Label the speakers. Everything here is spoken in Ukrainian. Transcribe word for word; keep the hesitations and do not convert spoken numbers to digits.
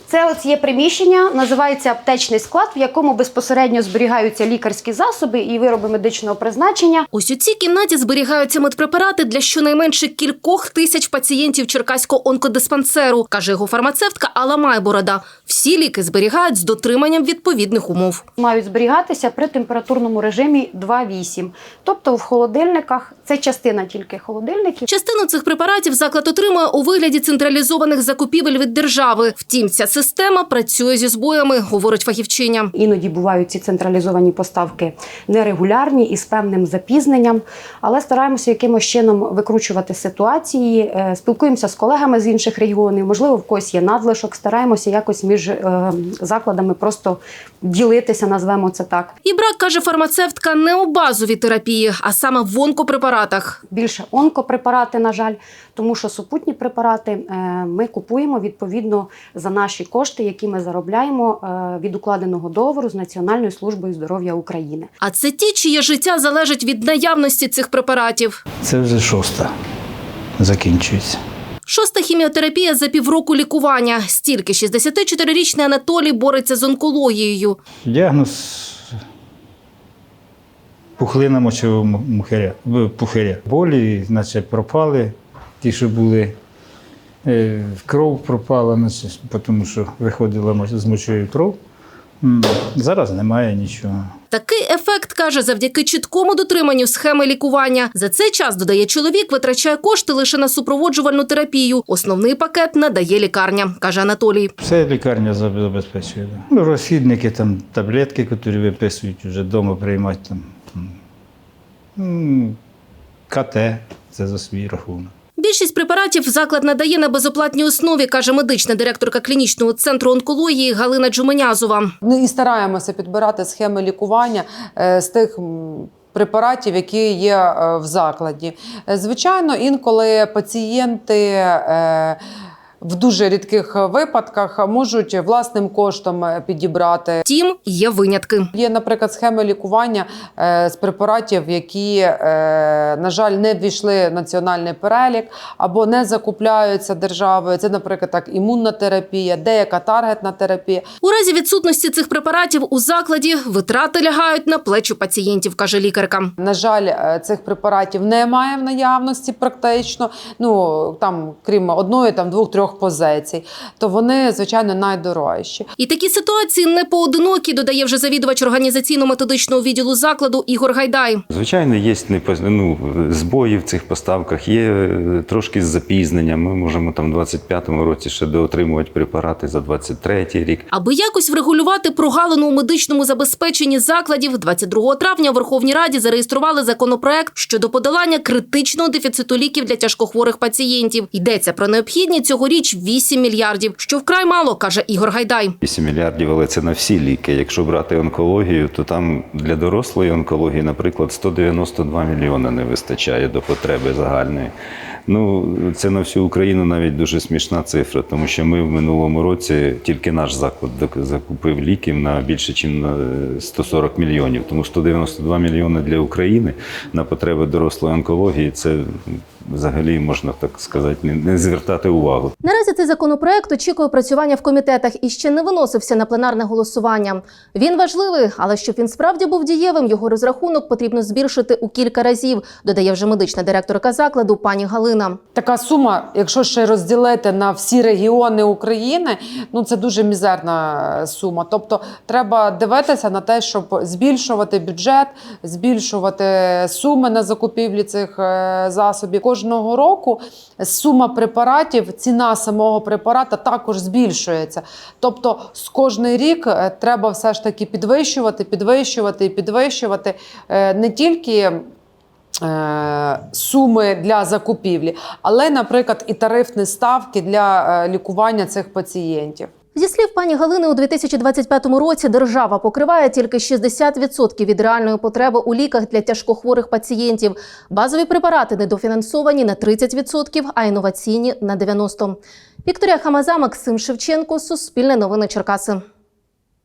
Speaker 1: Це ось є приміщення, називається аптечний склад, в якому безпосередньо зберігаються лікарські засоби і вироби медичного призначення.
Speaker 2: Ось у цій кімнаті зберігаються медпрепарати для щонайменше кількох тисяч пацієнтів Черкаського онкодиспансеру, каже його фармацевтка Алла Майборода. Всі ліки зберігають з дотриманням відповідних умов.
Speaker 1: Мають зберігатися при температурному режимі два вісім. Тобто в холодильниках, це частина тільки холодильників.
Speaker 2: Частину цих препаратів заклад отримує у вигляді централізованих закупівель від держави. Втім, ця система працює зі збоями, говорить фахівчиня.
Speaker 1: Іноді бувають ці централізовані поставки нерегулярні і з певним запізненням, але стараємося якимось чином викручувати ситуації, спілкуємося з колегами з інших регіонів, можливо, в когось є надлишок, стараємося якось між закладами просто ділитися, назвемо це так.
Speaker 2: І брак, каже фармацевтка, не у базовій терапії, а саме в онкопрепаратах.
Speaker 1: Більше онкопрепарати, на жаль, тому що супутні препарати ми купуємо відповідно за наші кошти, які ми заробляємо від укладеного договору з Національною службою здоров'я України.
Speaker 2: А це ті, чиє життя залежить від наявності цих препаратів.
Speaker 3: Це вже шоста закінчується.
Speaker 2: Шоста хіміотерапія за півроку лікування. Стільки шістдесятичотирирічний Анатолій бореться з онкологією.
Speaker 3: Діагноз пухлина мочового мухаря, пухаря. Болі, наче пропали, ті, що були, кров пропала, наче, тому що виходила з мочою кров. Зараз немає нічого.
Speaker 2: Такий ефект, каже, завдяки чіткому дотриманню схеми лікування. За цей час, додає чоловік, витрачає кошти лише на супроводжувальну терапію. Основний пакет надає лікарня, каже Анатолій.
Speaker 3: Все лікарня забезпечує. Ну, розхідники, там, таблетки, які виписують, вже вдома приймати. Там. КТ – це за свій рахунок.
Speaker 2: Більшість препаратів заклад надає на безоплатній основі, каже медична директорка клінічного центру онкології Галина Джуменязова.
Speaker 4: Ми і стараємося підбирати схеми лікування з тих препаратів, які є в закладі. Звичайно, інколи пацієнти в дуже рідких випадках можуть власним коштом підібрати.
Speaker 2: Втім, є винятки.
Speaker 4: Є, наприклад, схеми лікування з препаратів, які, на жаль, не ввійшли в національний перелік або не закупляються державою. Це, наприклад, так, імунна терапія, деяка таргетна терапія.
Speaker 2: У разі відсутності цих препаратів у закладі витрати лягають на плечі пацієнтів, каже лікарка.
Speaker 4: На жаль, цих препаратів немає в наявності практично, ну, там, крім одної, там, двох-трьох позицій, то вони, звичайно, найдорожчі.
Speaker 2: І такі ситуації не поодинокі, додає вже завідувач організаційно-методичного відділу закладу Ігор Гайдай.
Speaker 5: Звичайно, є ну, збої в цих поставках, є трошки з запізненням. Ми можемо там в двадцять п'ятому році ще доотримувати препарати за двадцять третій рік.
Speaker 2: Аби якось врегулювати прогалину у медичному забезпеченні закладів, двадцять другого травня у Верховній Раді зареєстрували законопроект щодо подолання критичного дефіциту ліків для тяжкохворих пацієнтів. Йдеться про необхідні цьогоріч вісім мільярдів, що вкрай мало, каже Ігор Гайдай.
Speaker 5: вісім мільярдів, але це на всі ліки. Якщо брати онкологію, то там для дорослої онкології, наприклад, сто дев'яносто два мільйони не вистачає до потреби загальної. Ну, це на всю Україну навіть дуже смішна цифра, тому що ми в минулому році, тільки наш заклад закупив ліків на більше, ніж на сто сорок мільйонів. Тому сто дев'яносто два мільйони для України на потреби дорослої онкології – це взагалі, можна так сказати, не звертати увагу.
Speaker 2: Наразі цей законопроект очікує опрацювання в комітетах і ще не виносився на пленарне голосування. Він важливий, але щоб він справді був дієвим, його розрахунок потрібно збільшити у кілька разів, додає вже медична директорка закладу пані Галина.
Speaker 4: Така сума, якщо ще розділити на всі регіони України, ну це дуже мізерна сума. Тобто треба дивитися на те, щоб збільшувати бюджет, збільшувати суми на закупівлі цих засобів. Кожного року сума препаратів, ціна самого препарата також збільшується. Тобто з кожний рік треба все ж таки підвищувати, підвищувати і підвищувати не тільки суми для закупівлі, але, наприклад, і тарифні ставки для лікування цих пацієнтів.
Speaker 2: Зі слів пані Галини, у дві тисячі двадцять п'ятому році держава покриває тільки шістдесят відсотків від реальної потреби у ліках для тяжкохворих пацієнтів. Базові препарати недофінансовані на тридцять відсотків, а інноваційні – на дев'яносто відсотків. Вікторія Хамаза, Максим Шевченко, Суспільне новини Черкаси.